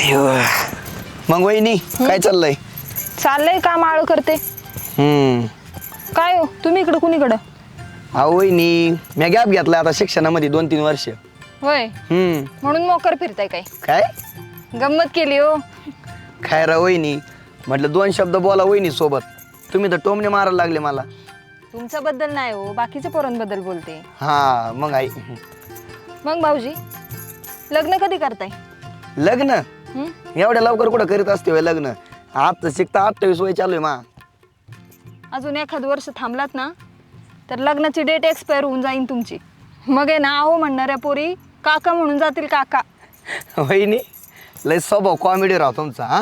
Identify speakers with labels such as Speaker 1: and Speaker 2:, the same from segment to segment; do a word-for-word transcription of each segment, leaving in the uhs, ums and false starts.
Speaker 1: मग वहिनी काय चाललंय?
Speaker 2: चाललंय काम आळ करते.
Speaker 1: हम्म
Speaker 2: काय हो तुम्ही इकडं कुणीकडं?
Speaker 1: अहो वहिनी मी गॅप घेतलाय आता शिक्षणामध्ये दोन तीन वर्ष.
Speaker 2: होय
Speaker 1: हम्म
Speaker 2: म्हणून मोकर फिरताय काय?
Speaker 1: काय
Speaker 2: गंमत केली हो.
Speaker 1: काय रा वहिनी म्हटलं दोन शब्द बोला वहिनी सोबत. तुम्ही तर टोमणे मारायला लागले मला.
Speaker 2: तुमच्या बद्दल नाही हो, बाकीच्या पोरांबद्दल बोलते.
Speaker 1: हा मग आई
Speaker 2: मग भाऊजी लग्न कधी करताय?
Speaker 1: लग्न
Speaker 2: हं?
Speaker 1: एवढ्या लवकर कुठं करीत असते होय लग्न? आता शिकता अठ्ठावीस वय चालू आहे मा.
Speaker 2: अजून एखाद वर्ष थांबलात ना तर लग्नाची डेट एक्सपायर होऊन जाईन तुमची. मग आहे ना आहो म्हणणाऱ्या पोरी काका म्हणून जातील काका.
Speaker 1: वहिनी लय स्वभाव कॉमेडी राव तुमचा. हा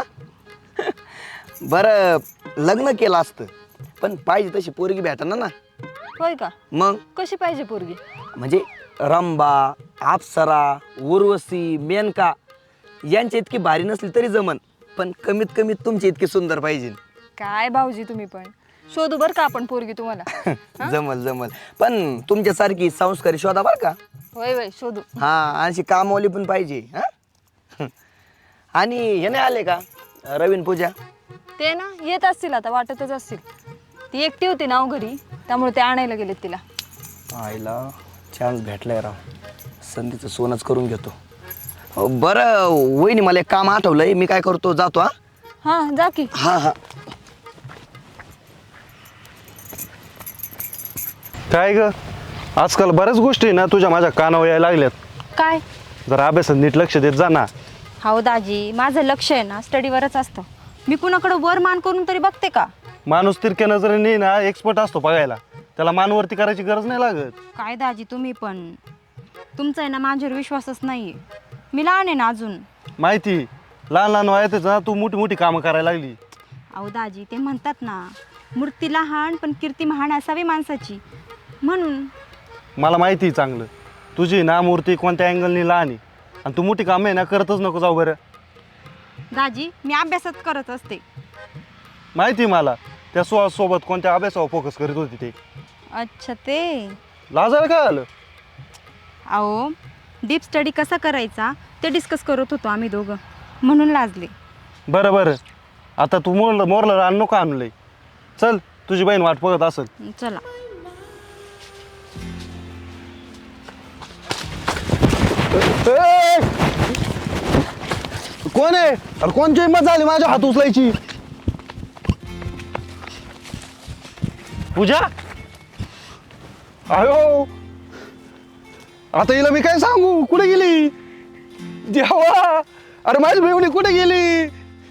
Speaker 1: बरं लग्न केलं असतं पण पाहिजे तशी पोरगी भेटणार ना.
Speaker 2: होय का?
Speaker 1: मग
Speaker 2: कशी पाहिजे पोरगी?
Speaker 1: म्हणजे रंबा, अप्सरा, उर्वशी, मेनका यांच्या इतकी भारी नसली तरी जमन, पण कमीत कमी तुमची इतकी सुंदर पाहिजे.
Speaker 2: काय भाऊजी तुम्ही पण शोधू बर का आपण पोरगी तुम्हाला.
Speaker 1: जमल जमल पण तुमच्यासारखी संस्कारी शोधा बर का.
Speaker 2: होय होय शोधू.
Speaker 1: हा अशी कामवाली पण पाहिजे. हा आणि हे नाही आले का रवीन पूजा?
Speaker 2: ते ना येत असतील आता, वाटतच असतील. ती एकटी होती ना घरी त्यामुळे ते आणायला गेलेत तिला.
Speaker 1: आईला चान्स भेटलाय राव, संधीचं सोनच करून घेतो. हो, बरं वहिनी मला एक काम आठवलंय, मी काय करतो जातो. हा
Speaker 2: हा जा की.
Speaker 1: हा हा
Speaker 3: काय ग आजकाल बऱ्याच गोष्टी ना तुझ्या माझ्या कानावर यायला लागल्यात.
Speaker 2: काय?
Speaker 3: जरा अभ्यासात नीट लक्ष देत जा ना.
Speaker 4: हो दाजी, माझं लक्ष आहे ना स्टडीवरच असतं. मी कुणाकडे वर मान करून तरी बघते का?
Speaker 3: माणूस तिरक्या नजरेने ना एक्सपर्ट असतो बघायला, त्याला मानवरती करायची गरज नाही लागत.
Speaker 4: काय दाजी तुम्ही पण, तुमचा आहे ना माझ्यावर विश्वासच नाहीये. मी लहान आहे ना अजून.
Speaker 3: माहिती लहान लहान वयातच ना तू मोठी मोठी कामं करायला लागली.
Speaker 4: अहो दाजी ते म्हणतात ना, मूर्ती लहान पण कीर्ती महान असावी माणसाची, म्हणून.
Speaker 3: मला माहिती आहे चांगलं तुझी ना मूर्ती कोणत्या अँगलनी लहान आहे आणि तू मोठी कामं आहे ना करतच नको जाऊ. बरं
Speaker 4: दाजी मी अभ्यासात करत असते.
Speaker 3: माहिती मला त्या सो सोबत कोणत्या अभ्यासावर फोकस करीत होती ते.
Speaker 4: अच्छा ते.
Speaker 3: लाजायला काय आलं?
Speaker 4: अहो डीप स्टडी कसा करायचा ते डिस्कस करत होतो आम्ही दोघं, म्हणून लाजले.
Speaker 3: बरं बरं आता तू मोरलं मोरलं रान नको आणलंय. चल तुझी बहीण वाट बघत असेल.
Speaker 4: चला.
Speaker 3: ए! कोण आहे? अरे कोणची हिंमत झाली माझ्या हात उचलायची? पूजा अयो आता हिला मी काय सांगू? कुठे गेली देवा? अरे माझी बेवणी कुठे गेली?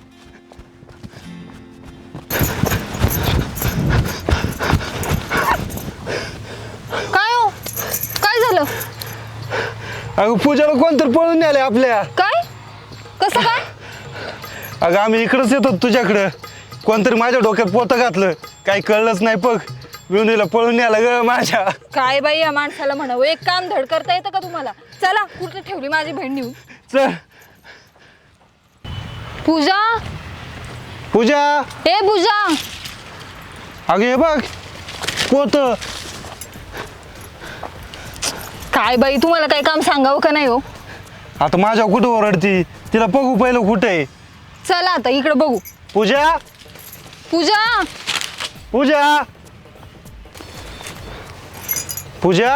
Speaker 2: काय हो? काय झालं?
Speaker 3: अगं पूजाला कोणतरी पळून नेले आपल्या.
Speaker 2: काय? कसं काय?
Speaker 3: अगं आम्ही इकडंच येतो तुझ्याकडं, कोणतरी माझ्या डोक्यात पोतं घातलं, काही कळलंच नाही. बघ विवणीला पळून न्याला ग माझ्या.
Speaker 2: काय बाई या माणसाला म्हणावं, एक काम धड करता येतं का तुम्हाला? चला कुठे ठेवली माझी बहीण नेऊन.
Speaker 3: चल
Speaker 2: पूजा,
Speaker 3: पूजा.
Speaker 2: ए पूजा.
Speaker 3: अगं हे बघ पोत.
Speaker 2: काय बाई तुम्हाला काय काम सांगावं का नाही हो?
Speaker 3: आता माझ्या कुठं ओरडती? तिला बघू पहिलं कुठे आहे.
Speaker 2: चला आता इकडे बघू.
Speaker 3: पूजा
Speaker 2: पूजा,
Speaker 3: पूजा पूजा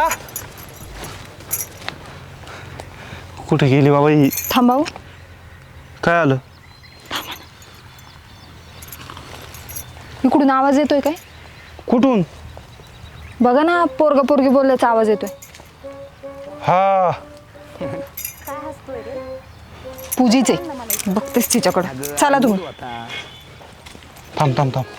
Speaker 3: कुठे गेली बाबा ही?
Speaker 2: थांबाव.
Speaker 3: काय आलं?
Speaker 2: इकडून आवाज येतोय काय?
Speaker 3: कुठून?
Speaker 2: बघा ना पोरगा पोरगी बोलल्याचा आवाज येतोय.
Speaker 3: हा
Speaker 2: पूजीचे बघतेस तिच्याकडं. चला तुम्ही.
Speaker 3: थांब थांब थांब.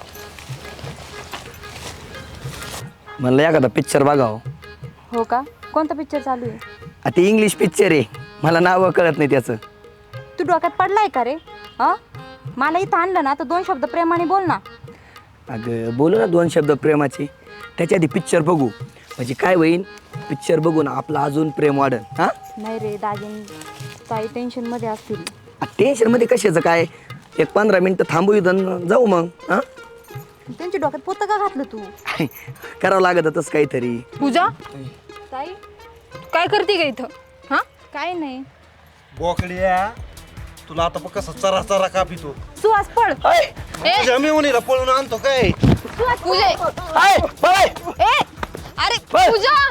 Speaker 1: म्हणलं एखादा पिक्चर बघाव.
Speaker 4: हो का? कोणता पिक्चर चालू आहे?
Speaker 1: आता इंग्लिश पिक्चर आहे, मला नाव कळत नाही त्याचं.
Speaker 4: तू डोक्यात पडलाय का रे? हा मला इथं आणलं ना तर दोन शब्द प्रेमाने बोल ना.
Speaker 1: अगं बोलू ना दोन शब्द प्रेमाचे. त्याच्या आधी पिक्चर बघू, म्हणजे काय होईल, पिक्चर बघून आपलं अजून प्रेम वाढेल. हा
Speaker 4: नाही रे दाजीन काही टेन्शन मध्ये असतील.
Speaker 1: टेन्शन मध्ये कशाचं काय, एक पंधरा मिनिटं थांबू इथं जाऊ मग. हा
Speaker 4: त्यांच्या डोक्यात पोतं का घातलं तू?
Speaker 1: करावं लागत तसं काहीतरी.
Speaker 2: पूजा
Speaker 4: ताई
Speaker 2: काय करते का इथं? हा
Speaker 4: काय नाही.
Speaker 3: बोकड्या तुला आता बघ कसा चरा चरा कापितो.
Speaker 4: सुहास पळ.
Speaker 1: हाय
Speaker 3: माझ्या मेहुणीला पळून आणतो काय?
Speaker 2: पूजा
Speaker 1: हाय बाय
Speaker 2: ए अरे
Speaker 1: बस.
Speaker 2: पूजा